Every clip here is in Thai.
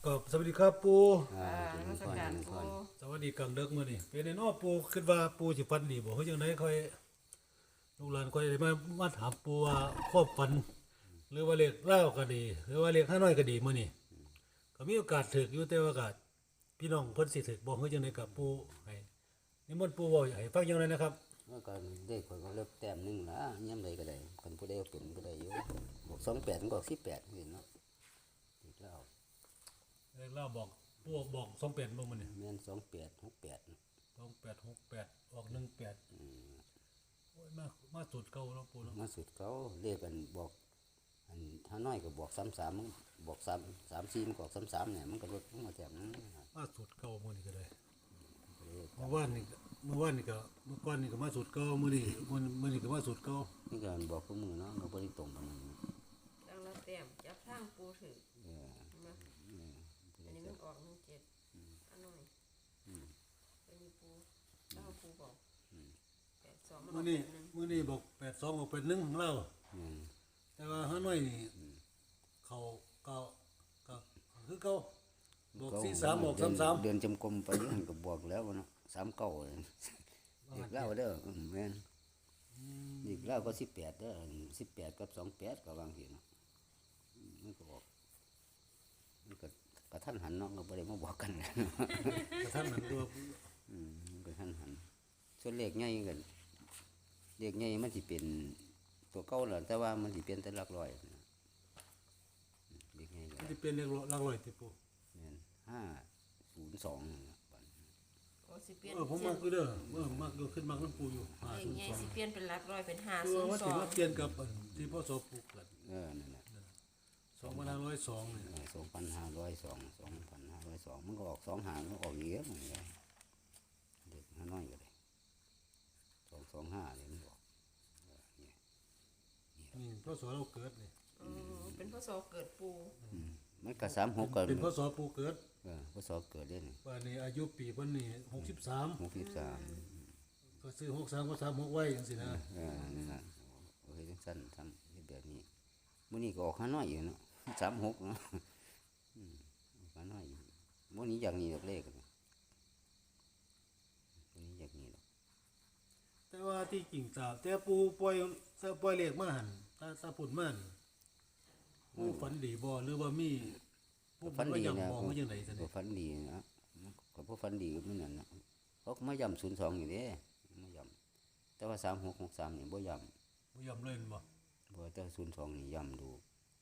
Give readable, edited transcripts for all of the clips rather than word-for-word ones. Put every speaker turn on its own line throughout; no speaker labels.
ก็สวัสดีครับปู
เจริญพรเจริญพร
สวัสดีกลางดึกมื้อนี้เป็นไงเนาะปูคิดว่าปูสิฝันดีบ่เฮ็ดจังไดค่อยลูกหลานค่อยได้มาถามปูว่าความฝันหรือว่าเลขเล่าวก็ดีหรือว่าเลขห้าน้อยก็ดีมื้อนี้ก็มีโอกาสถูกอยู่แต่ว่าก็พี่น้องเพิ่นสิถูกบ่เฮ็ดจังไดกับปูให้นิมนต์ปูเว้าให้ฟังจังไดนะครับ
เมื่อก่อนได้คนก็เลิกแต้มหนึงละย่ำใดก็ได้คนผู้ใดเอาเป็นก็ได้อยู่บอก28มันก็18เห็นเนาะอีกแล้ว
เลขเล่าวบอกปูบอก28บ่มื้อนี้
แม่น2868
2868ออก18โอ้ยมาสุดเก่าเนาะปูเนาะ
มาสุดเขาเรียกกันบอกอันถ้าน้อยก็บอก33มันบอก34มันก็ออก33เนี่ยมันก็ลดลงมาแต้มนึง
มาสุดเก่ามื้อนี้ก็ได้เมื่อวานนี่ก็เมื่อก่อนนี่ก็มาสุดเก่ามื้อนี้ก็มาสุดเก่า
นี่ก็บอกผู้มือเนาะก็บ่ได้ตรงกันนั่น
แล้วเราเตรียมจับทางปูถือ
เออ
มาอันนี้มันออก17อันน้อยเป็นปูแล้วปูบอก82
มื้อนี้บอก82บอกเป็น1เล่าแต่ว่าห้าน้อยนี่เขาก็คือเก่าบอก43บอก33
เดือนจำกรมไปอยู่หั่นก็บอกแล้วว่าเนาะ39เลยอีกแล้วเด้อแม่นอีกแล้วก็18เด้อ18กับ28ก็วางสิเนาะมันก็บอกมันก็กระทันหันเนาะก็บ่ได้มาบอกกัน
กระทั่งนั้นตัว
กระทันหันส่วนเลขใหญ่กันเลขใหญ่มันสิเป็นตัวเก่าแหละแต่ว่ามันสิเปลี่ยนแต่หลักร้อยเลขใหญ่ก็
มันสิเป็นเลขหลักร้อยติปู
แม่น502นั่นล่ะบัด
โอ้สิเปลี่ยน
ผมมักอยู่เด้อมักอยู่ขึ้นมักนำปูอยู่
ไงสิเปลี่ยนเป็นหลักร้อยเป็น
คือว่าสิมาเป
502
ลี่ยนกับที่พศปูเกิด
นั่นน่ะ
2502นี่
2502มันก็ออก25มันออกเยอะมันก็เด็กน้อยก็ได้225นี่มันบอก
นี่พศเราเกิดนี่
เป็นพศเกิดปู
มันก็36ก็
เป็นพศปูเกิด
พศเกิดเด้นี่
ว่านี่อายุปีเพิ่นนี่63
63
ก็ซื้อ63ก็36ไว้จังซี่นะ
นั่นน่ะโอเคจังซั่นทำแบบนี้มื้อนี้ก็ออกน้อยอยู่เนาะ36เนาะออกน้อยอยู่มื้อนี้อย่างนี้ดอกเลขมื้อนี้อย่างนี้ดอก
แต่ว่าที่จริงแต่ปูปล่อยเลขมาหั่นถ้าพูดมาหั่นปูฝันดีบ่หรือว่ามีปู
ฝันดี
นะบ่จังได๋ซั่น
ก็ฝันดีนะก็บ่ฝันดีมันนั่นน่ะเขาก็มาย้ำ02อยู่เด้มาย้ำแต่ว่า3663นี่บ่ย้ำ
บ่ยอมเล่นบ่
บ่แต่02นี่ย้ำดู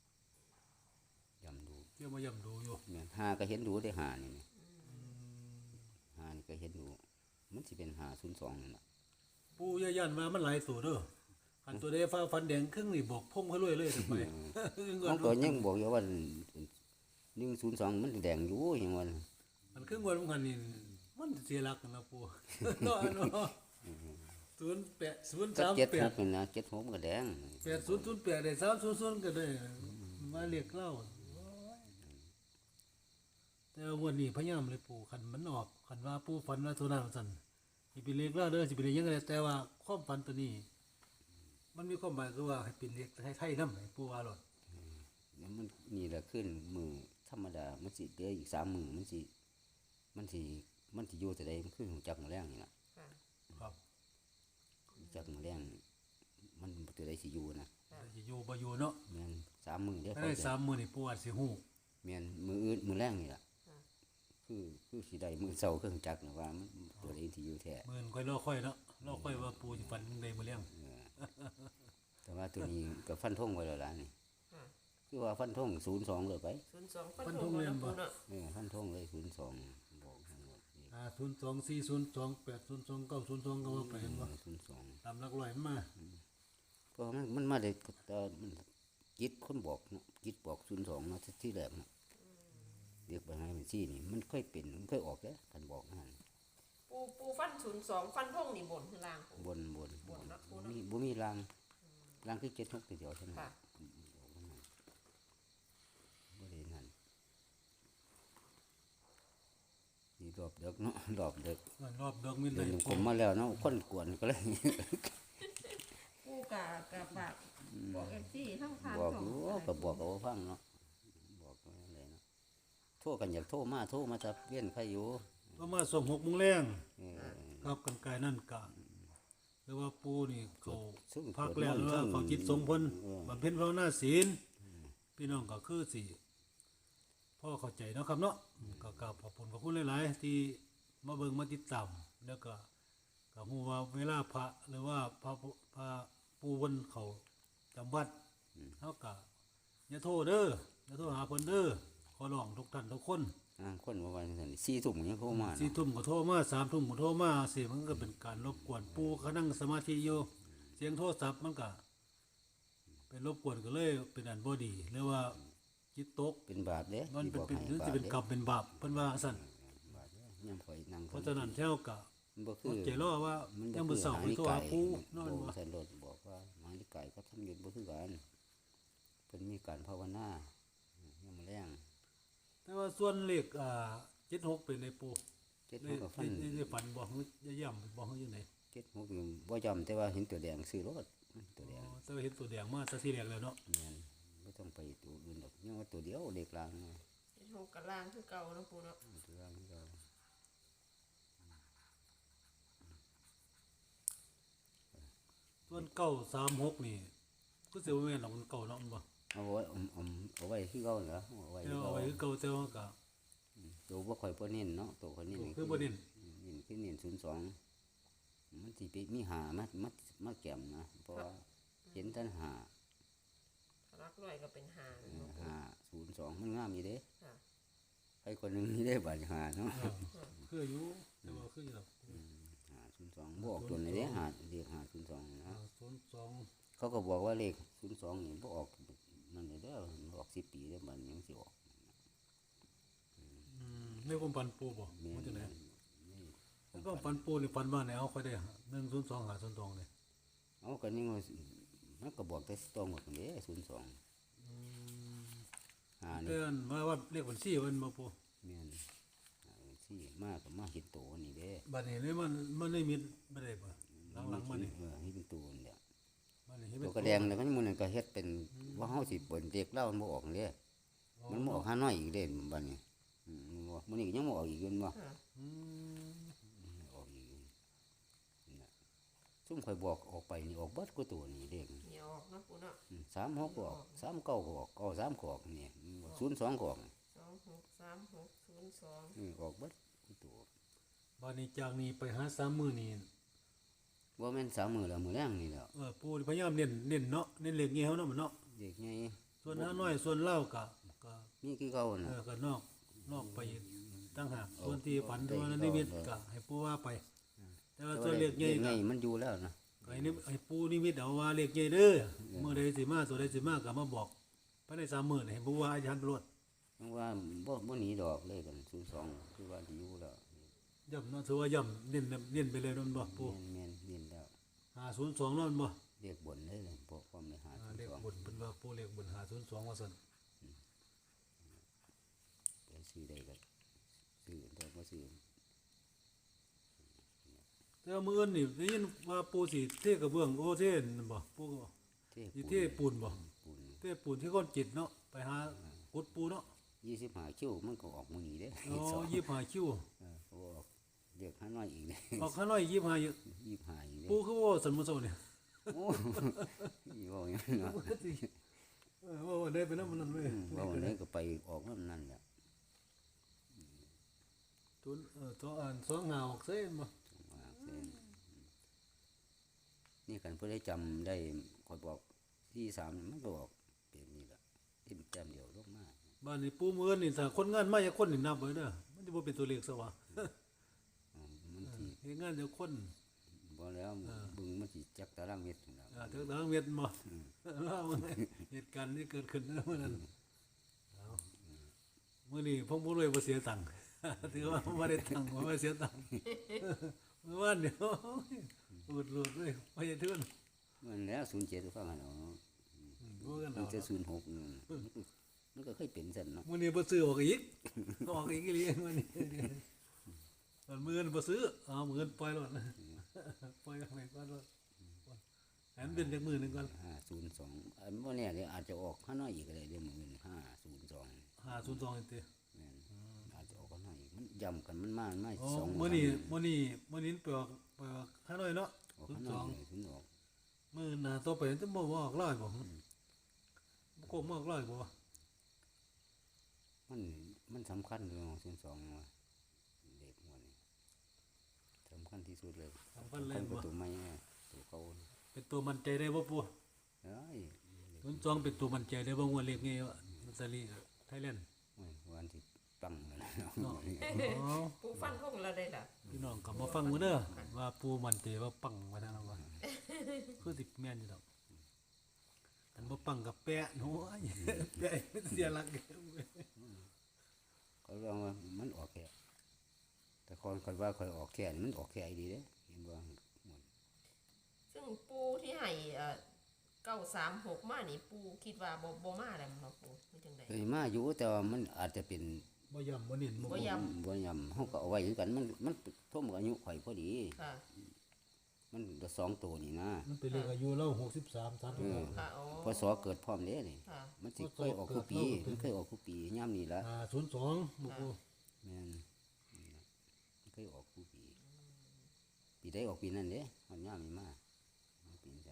เที่ยวมาย่ำดูอยู่
แม่นหาก็เห็นดูได้หานี่หานี่ก็เห็นดูมันสิเป็น502นั่นน่ะ
ปูย่านมามันหลายตัวเด้อคันตัวใดฟ้าฟันแดงครึ่งนี่บอกพงเขาเลยจังไป
มันก็ยังบอกอยู่ว่า102มันแดงอยู่หยังว่า
มันครึ่งวันมันนี่มันเสียหลักนะปูเนาะ
0803นี่นะ76มันก็แดง
8008ได้300ก็ได้มาเรียกเล่าแต่วันนี้พยายามเลยปู่คันมันออกคันว่าปู่ฝันว่าตัวนั้นสั่นสิเป็นเลขเล่าเด้อสิเป็นเลขยังไงแต่ว่าความฝันตัวนี้มันมีความหมายคือว่าให้เป็นเลขไทยๆนำให้ปู่ว่าหลด
มันนี่แหละขึ้นมือธรรมดามันสิเหลืออีก3มื้อมันสิอยู่แต่ใดมันคือจักมื้อแรงนี่ล่ะ
ครับ
จักมื้อแรงมันตัวใดสิอยู่นะ
สิอยู่บ่อยู่เนาะ
แม่น3มื้อเด้อ
ได้3มื้อนี่ปู่อาจสิฮู้
แม่นมื้ออื่นมื้อแรงนี่ล่ะคือสิได้มื้อเช้าเครื่องจักรนะว่ามันตัวใดสิอยู่แท้
มื้อค่อยรอค่อยเนาะรอค่อยว่าปู่สิฝันได้มื้อแรง
แต่ว่าตัวนี้ก็ฟันธงไว้แล้วล่ะนี่คือว่าฟันธง02เลยไป
02ฟันธงเลยบ่เนาะ
ฟันธงเลย02บอกทั้งหมด
02 402 802 902ก็ว่าไปเห็นบ่
02
ตามหลักร้อยมา
ก็มันมาได้มันจิตคนบอกเนาะจิตบอก02เนาะที่แรกเนาะเรียกไปให้มันซี่นี่มันเคยเป็นมันเคยออกเด้คันบอกนั่น
ปูฟัน02ฟันธงนี่บนล่าง
บนมีล่างคือ76ตัวเดียวเท่านั้นบ่ได้นั่นนี่รอบดึกเนาะรอบดึก
มีได้
ผมมาแล้วเนาะคนกวนก็เลย
ปูกะฝากบอก FC ทั้งทาน
บอกอยู่ก็บอกเอาฟังเนาะบอกอะไรเนาะโทรกันอยากโทรมาจะเวียนใครอยู่
ประมาณส่ง6 โมงแรง
เออ
ครับกันไกลนั่นกะหรือว่าปูนี่เขา
ซึ่ง
พักแล้วหรือว่าเขาจิตสงเพิ่นบำเพ็ญภาวนาศีลพี่น้องก็คือสิพ่อเข้าใจเนาะครับเนาะก็กราบขอบคุณหลายๆที่มาเบิ่งมาติดตามแล้วก็ฮู้ว่าเวลาพระหรือว่าพระปูเพิ่นเขาจำวัดเฮาก็อย่าโทษเด้ออย่าโทษหาเพิ่นเด้อขอร้องทุกท่านทุกคน
คนว่าวันนั้น4 ทุ่มยังโทรมา
4 ทุ่มก็โทรมา3 ทุ่มก็โทรมาสิมันก็เป็นการรบกวนปูเขานั่งสมาธิอยู่เสียงโทรศัพท์มันก็เป็นรบกวนก็เลยเป็นอันบ่ดีหรือว่าจิตตก
เป็นบาปเด้
มันเป็นหรือสิเป็นกรรมเป็นบาปเพิ่นว่าซั่น
บาปเด้ยามข่อยนั่ง
เพราะฉะนั้นแถวก็
มันบ่คือ
ใจรอว่ายังมื้อเช้าไปโทรหาปูนอน
บ่
ว่า
สันโดษบอกว่าหมานิกายก็ทำอยู่บ่คือกันเพิ่นมีการภาวนายังมาแรง
แต่ว่าส่วนเลข76เป็นในปู
เจ็ด
ใน
หกก็ฟัน
ในฝันบ่ฮู้จะย่ำบ่ฮู้อยู่ไหน
เจ็ดหกอยู่บ่จำแต่ว่าเห็นตัวแดงซื้อรถตัวแดง
แต่ว่าเห็นตัวแดงมาแต่ทีแรกแล้วเนาะ
แม่นบ่ต้องไปตัวอื่นดอกยังว่าตัวเดียวเด็กลางนะ
เฮ็ดหกกับล่างคือเก่าเนาะปูเนาะ
ตัวลางนี่ก็
ส่วน936นี่ก็สิบ่แม่นดอกมันเก่าเนาะมันบ่
เอาไว้เอาไว้คือเก่าเหรอเอาไว้
แต่
คือ
ว่า
เก่า
เอาไว้คือเก่าแต่ว่าก็
ตัวบ่ค่อยบ่เน้นเนาะตัวค่อยเน้น
คือบ่เน้น
คือเน้น02มันสิไปมีหามาแก้มนะเพราะว่าเห็นท่านหา
ถ้ารักร้อยก็เป็นหาเนาะปู
502มันงามอยู่เด้
ค่ะ
ใครคนหนึงนี่ได้บาดหาเนาะ
คืออยู่แต่ว่าคืออยู่ดอก
502บ่ออกตัวไหนเด้หาเรียก502นะ
02
เขาก็บอกว่าเลข02นี่บ่ออกนั่นเด้อมันออก10 ปีแล้วมันยังสิออก
ในความฝันปูบ่
แม่
มัน
น
จังได๋
นี่
แล้วก็ฝันปูนี่ฝันว่าไหนเอาค่อยได้102หา02นี่
เอาก็นี่มันก็บอกแต่ตรงหมดเด้02หา
แต่
นี่
อันว่าเรียกบัญชีเพิ่นบ่ปู
แม่นสิมาก็มาเฮ็ดโตนี่เด้
บัดนี้นี่มันได้มิดบ่ได้บ่หลังๆมานี่
เฮ็ดเป็นโตนี่แหละ
บัดนี้เฮ็ด
ตั
เป็
วน กระแดงแล้วก็มันก็เฮ็ดเป็นว่าเฮาสิเปิ้นเด็กเล่ามันบ่ออกเด้มันบ่ออกหาน้อยอีกเด้บัดนี้มื้อนี้ก็ยังบ่ออกอีกอยู่บ่
ค่ะ
อืม
ออกอีกนะซุ่มข่อยบอกออกไปนี่ออกเบิดกูตัวนี่เด็ก
เหนียวออกเนาะปูเนาะ
36ก็ออก39ก็ออก93ก็ออกนี่02ก็ออก
263602
ออกเบิดกูตัว
บัดนี้จากนี้ไปหา3มื้อนี่
บ่แม่น3มื้อแล้วมื้อแรงนี่แหล้ว
ปูพยายามเน้นเนาะเน้นเลขเงี้ยวเนาะมันเนาะ
เด็กใหญ่
ส่วนหาน้อยส่วนเล่าก็
มีคือเก่าน่ะ
ก็นอกไปอีกตั้งหากส่วนที่ฝันตัวนั้นนิมิตก็ให้ปูว่าไป แต่ว่าส่วนเลขใหญ่
ให
ก็
ญ่มันอยู่แล้วนะ
ก็ให้ปูนิมิตเอาว่าเลขใหญ่เด้อเมื่อใดสิมาตัวใดสิมาก็มาบอกภายใน3มื้อนี่ให้ปูว่าอาจารย์ตำรวจ
เพราะว่าบ่หนีดอกเลยกัน02คือว่าสิอยู่แล้ว
ย่ำเนาะถือว่าย่ำเน้นไปเลยนั่นบ่ปู
แม่นเน้นแล้ว
502นั่นบ่
เรียกบนเลยพวกความในหา
เลข
02
บุญเป็นว่าปูเลขบุญ502ว่าซั่น
ไปซื้อได้ก็ซื้อแต่บ่ซื้อ
แต่ว่ามื้ออื่นนี่ได้ยินว่าปูสิเทกระเบื้องโอเทนนั่นบ่ปูก็บอก
เท่
สิเทปูนบ่
ปูน
เทปูนที่ก้อนจิตเนาะไปหากุดปูเนาะ
25คิวมันก็ออกมื้อนี้เด้
อ๋อ25คิว
โอ้เรียกหาน้อยอีกเด้
ออกข้างน้อย25อยู่
25อีกเด้
ปูคือว่าสันมุโซเนี่ย
โอ้ยว่าอย่างนั้นเนาะ
ว่าได้ไปนำมันนั่นเว้ย
ว่าวันนี้ก็ไปออกนั่นนั่นแหละ
ตุนตัวอ่าน2หาออกเซ่บ่
ว่าเส้นนี่กันเพื่อได้จำได้คอยบอกที่3มันก็บอกเป็นนี่แหละที่แต้มเดียวลงมา
บ้านนี้ปูมื้อนี่ถ้าคนงานมาจักคนนี่นับไว้เด้อมันสิบ่เป็นตัวเลขซะวะ
มันสิ
เฮ็ดงานจักคน
บ่แล้วบึงมันสิจักตารางเมตรนั่นแหล้ว
ถึงทางเวียดบ่เล่าเหตุการณ์ที่เกิดขึ้นเมื่อนั้นเอามื้อนี้ผมบ่รวยบ่เสียตังค์ ถือว่าบ่ได้ตังค์บ่เสียตังค์เมื่อวานเดียวอุดหลุดเลยบ่ได้ทุน
มันแล้ว07ก็ฟังกันเอา
บ่กัน
มัน
เอา
จะ06นั่นมันก็เคยเป็นซั่นเนาะ
มื้อนี้บ่ซื้อออกอีกออกอีกอีหลีมื้อนี้มันมื้อนี้บ่ซื้อเอามื้อนี้ปล่อยรถปล่อยไปก่อนรถให้มันเป็นจักมื้อหนึงก่อน
502อันบ่แน่เลยอาจจะออกข้างน้อยอีกก็ได้เดี๋ยวมื้อนี้502
502นี่ติ
แม่นมันย่ำกันมันมา
อ๋อ
สอง
มื้อนี้ไปออกข้าน้อยเนาะ
ออกข้างนอกเลยถึงออก
มื้อหน้าต่อไปจะบ่ออกร้อยบ่บ่โกงบ่ออกร้อยบ่
มันสำคัญเรื่องของศูนย์สองว่าเด็กหัวนี่สำคัญที่สุดเลย
สำคัญเลย
ประ
บ่
ตูไม้เนี่ยตัวเก่า
เป็นตัวมั่นใจได้บ่ปู่
เอ้ย
02เป็นตัวมั่นใจได้บ่งวดเลขไงวะมันสลีไทยแลนด์
โอ้ยวันที่ตั้งเลยนะ
เนาะอ๋อ
ปูฟันคงเราได้ล่ะ
พี่น้องก็มาฟังมื้อเด้อว่าปู่มั่นใจว่าปังว่าซั่นว่าคือสิแม่นอยู่ดอกอันบ่ปังก็แปะโน้ยแปะเสียหลัก
เขาเรียกว่ามันออกแค่แต่คนว่าคอยออกแค่นี่มันออกแค่ดีเด้เห็นบ่
ซึ่งปูที่ให้936มานี่ปูคิดว่าบ่มาแล้วมั้งปูเป็นจังได๋
เคยมาอยู่แต่ว่ามันอาจจะเป็น
บ่ย่ำบ่เน้นบ่
บ่ย้
บ่ยำเฮาก็เอาไว้คือกันมันท่วมกับอายุข่อยพอดี
ค่ะ
มันได้สองตัวนี่นะ
มันเป็นเลขอายุเรา63 36
ค่ะอ๋อ
พศเกิดพร้อมเด้นี่
ค่ะ
มันสิเคยออกทุกปีมันเคยออกทุกปีย่ำนี่ละ
02บ่ปู่
แม่นมันเคยออกทุกปีปีได้ออกปีนั้นเด้มันย่ำนี่มาปีนั้น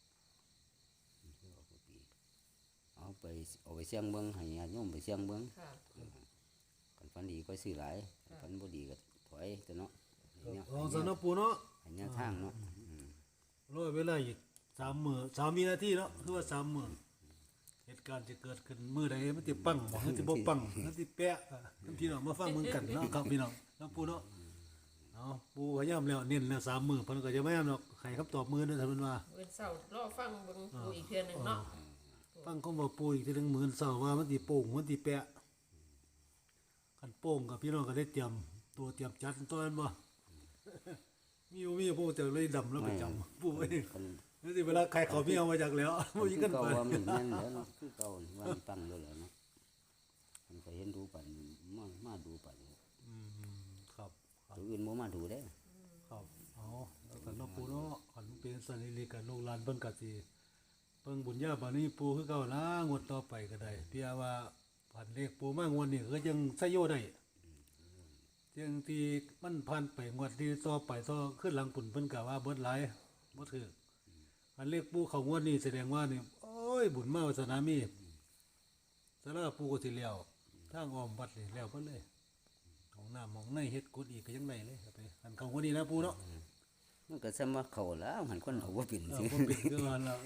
เอาไปเสี่ยงเบิ่งให้ญาติโยมไปเสี่ยงเบิ่ง
ค่ะ
กันฝันดีก็ซื้อหลายกันฝันบ่ดีก็ถอยตัวเนาะให้แนว
ลองซะเนาะปู่เนาะ
ให้แนวทางเนาะ
รอเวลาอีก3มื้อ3วินาทีเนาะคือว่า3มื้อเหตุการณ์จะเกิดขึ้นมื้อใดมันสิปังบ่มันสิบ่ปังมันสิแปะพี่น้องมาฟังมึงกันเนาะครับพี่น้องเนาะปู่เนาะเอาปู่พยายามแล้วเน้นแล้ว3มื้อเพิ่นก็จะพยายามเนาะให้คำตอบมื้อเด้อท่านเพิ่นว่า
เว้นเสาร์รอฟังเบิ่งปูอีกเทื่อหนึงเนาะ
ฟังคำว่าปู่อีกทีหนึงมื้อเช้าว่ามันสิโป่งมันสิแปะคันโป่งก็พี่น้องก็ได้เตรียมตัวเตรียมจัดตัวนั้นบ่มีปู่แต่เลยดำแล้วไปจำปู่เอ้ย
คัน
นี่สิเวลาใครเขาไม่เอามาจากแล้วบ่มีกัน
เก่า
ไป
ว่ามันแม่นแล้วเนาะคือเก่าว่ามันตั้งแล้วแหละเนาะมันก็เห็นดูปันมาดูปัน
ครับครับ
ตัวอื่นบ่มาดูเด้
ครับเอาแล้วก็เนาะปู่เนาะคันเป็นสันนิริกันลูกหลานเพิ่นก็สิเพิ่งบุญญาบารมีปู่คือเก่านะงวดต่อไปก็ได้เพียว่าผ่านเลขปู่มางวดนี้ก็ยังใช้โยได้จังที่มันผ่านไปงวดที่ต่อไปต่อขึ้นหลังปุ่นเพิ่นก็ว่าเบิดหลายบ่ถืออันเลขปู่เข้างวดนี้แสดงว่านี่โอ้ยบุญมาวาสนามีสาราปู่ก็สิแล้วทางอ้อมวัดนี่แล้วเพิ่นเลยของน้ำของในเฮ็ดกุดอีกก็ยังได้เลยครับไปอันเข้างวดนี้นะปู่เนาะ
มันก็ซ้ำว่าเข้าแล้วหันคนเอาบ่เป็น
เอ
สิ
อบ่เป็นคือว่าแล้ว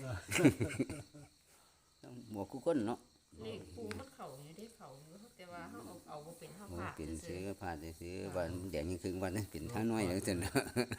หมวกกูคนเนาะ
เลขปูมันเข้าอยู่ได้เข้าอยู่แต่ว่าเฮาเอาบ่เป็นเฮา
บ่
พลาด
เป็น
ซื่
ซื้
อ
อผ่านซื้อวันแดงยังครึ่งวันนั้นเป็นท่าน้อยจังซั่นเนาะ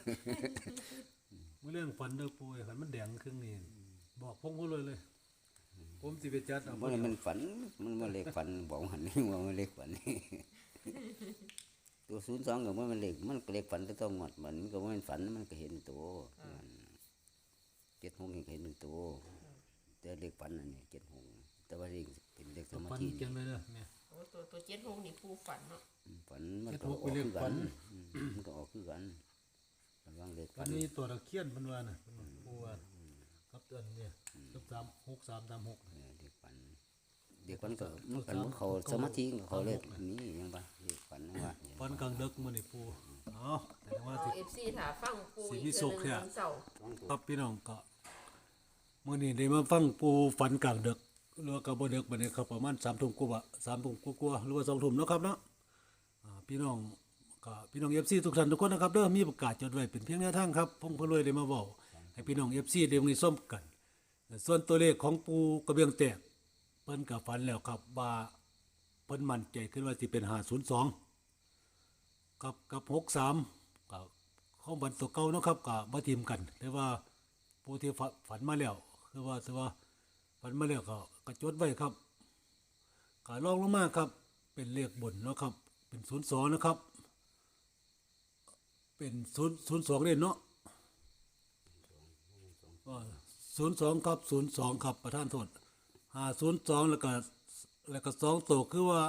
เมื่อเรื่องฝันเด้อปู่คันมันแดงครึ่งนี่บอกผมก็เลย ผมสิไปจัดเอา
บ่ได้มันฝันมันบ่เลขฝันบอกหันนี่ว่ามันเลขฝันนี่ ตัว02ก็บ่มันเลขมันก็เลขฝันแต่ต้องงวดมันก็บ่แม่นฝันมันก็เห็นตัวมัน76นี่ก็เห็นเป็นตัวแต่เลขฝันนั่นนี่76แต่ว่าเลขเป็นเลขส
ๆ
มา
ฝัน
ธิ
เขียนไว้เด้อแม่
ๆโอ้ตัว76นี่ปูฝันเนาะ
ฝันมันก็ออกคือกันมันก็ออกคือกันระวังเลข
ฝั
ฝั
น
น
นี้ตัวตะเคียนเพิ่นว่าน่ะปู่ว่าครับอันเนี่ยกับ6336
เลขฝันเด็กฝันก็มันกันเขาสมาธิเขาเลขนี้ยังบ่เลขฝันว่า
ฝันกลางดึกมื้อนี้ปู่เอาแต่ว่า
เอา
สิ
FC ถ้าฟังปูอีก
สิมี
เทื่อ
สุ
ห
ข
นึง
เนี่ย
วันเสาร์
ครับพี่น้องก็มื้อนี้ได้มาฟังปู่ฝันกลางดึกหรือว่าก็บ่ดึกบัดนี้ครับประมาณ3 ทุ่มกว่า3 ทุ่มกว่าหรือว่า2 ทุ่มเนาะครับเนาะพี่น้องก็พี่น้อง FC ทุกท่านทุกคนนะครับเด้อมีประกาศจดไว้เป็นเพียงแนวทางครับพงพลวยได้มาเว้าให้พี่น้อง FC ได้มีส้มกัน ส่วนตัวเลขของปู่กระเบียงแตกเพิ่นก็ฝันแล้วครับว่าเพิ่นมั่นใจขึ้นว่าสิเป็น502กับ63ก็ของบันตัวเก่าเนาะครับก็บ่ทิมกันแต่ว่าผู้ที่ฝันมาแล้วคือว่าถือว่าฝันมาแล้วก็จดไว้ครับก็ลองลงมาครับเป็นเลขบนเนาะครับเป็น02นะครับเป็น002เด้เนาะ02ครับ02ครับประธานโทษ502แล้วก็2ตัวคือว่า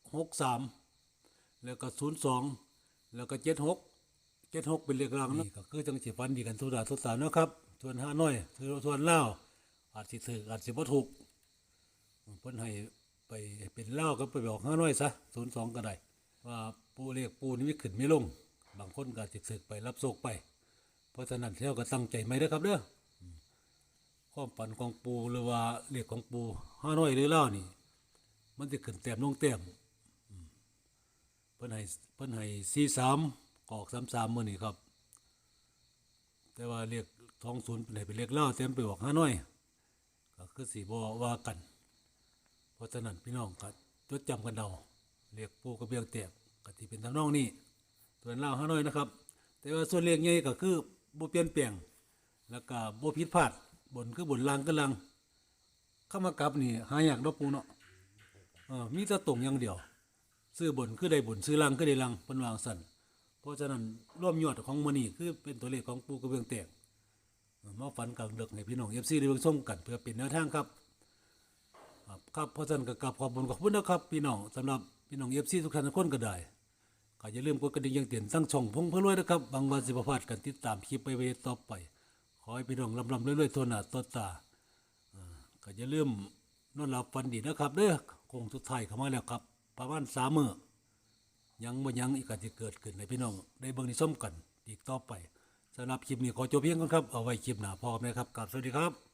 63แล้วก็02แล้วก็76เป็นเลขรางเนาะก็คือจังสิฟันดีกันทุกดาทุกสารเนาะครับส่วน5น้อยส่วนลาวอาจสิถูกอาจสิบ่ถูกเพิ่นให้ไปเป็นลาวก็ไปบอก5น้อยซะ02ก็ได้ว่าปูเรียกปูนี่มีขึ้นไม่ลง บางคนก็จะสึกไปรับโศกไป เพราะฉะนั้นเที่ยวก็ตั้งใจไหมเด้อครับเด้อความฝันของปูหรือว่าเรียกของปูห้าน้อยหรือเล่านี่ มันจะขึ้นแต้มลงแต้มเพิ่นให้43ออก33มื้อนี้ครับ แต่ว่าเรียก20เป็นให้เป็นเรียกเล่าเต็มไปออกห้าน้อย ก็คือสิบ่ว่ากัน เพราะฉะนั้นพี่น้องก็จดจำกันเอาเรียกปูกระเบียงแตกก็สิเป็นทำนองนี้ส่วนเล่าห้าน้อยนะครับ แต่ว่าส่วนเรียกใหญ่ก็คือบ่เปลี่ยนแปลงแล้วก็บ่ผิดพลาดบนคือบนล่างก็ล่างเข้ามากลับนี่หายากเนาะปูเนาะมีแต่ตรงอย่างเดียว ซื้อบนคือได้บนซื้อล่างคือได้ล่างเพิ่นวาจั่งซั่นเพราะฉะนั้นรวมยอดของมื้อนี้คือเป็นตัวเลขของปูกระเบียงแตกมาฝันกลางดึกให้พี่น้อง FC ได้เบิ่งชมกันเพื่อเป็นแนวทางครับครับเพราะฉะนั้นก็กราบขอบคุณนะครับพี่น้องสำหรับพี่น้อง FC ทุกท่านทุกคนก็ได้ก็อย่าลืมกดกระดิ่งแจ้งเตือนตั้งช่องพงเพื่อรวยนะครับบางวันสิบ่พลาดกันติดตามคลิปไปเวต่อไปขอให้พี่น้องร่ำๆรวยๆทั่วหน้าทั่วตาก็อย่าลืมนอนหลับฝันดีนะครับเด้อคงสุดท้ายเข้ามาแล้วครับประมาณ3มื้อยังบ่ยังอีกก็สิเกิดขึ้นให้พี่น้องได้เบิ่งได้ชมกันอีกต่อไปสำหรับคลิปนี้ขอจบเพียงก่อนครับเอาไว้คลิปหน้าพอกันนะครับกราบสวัสดีครับ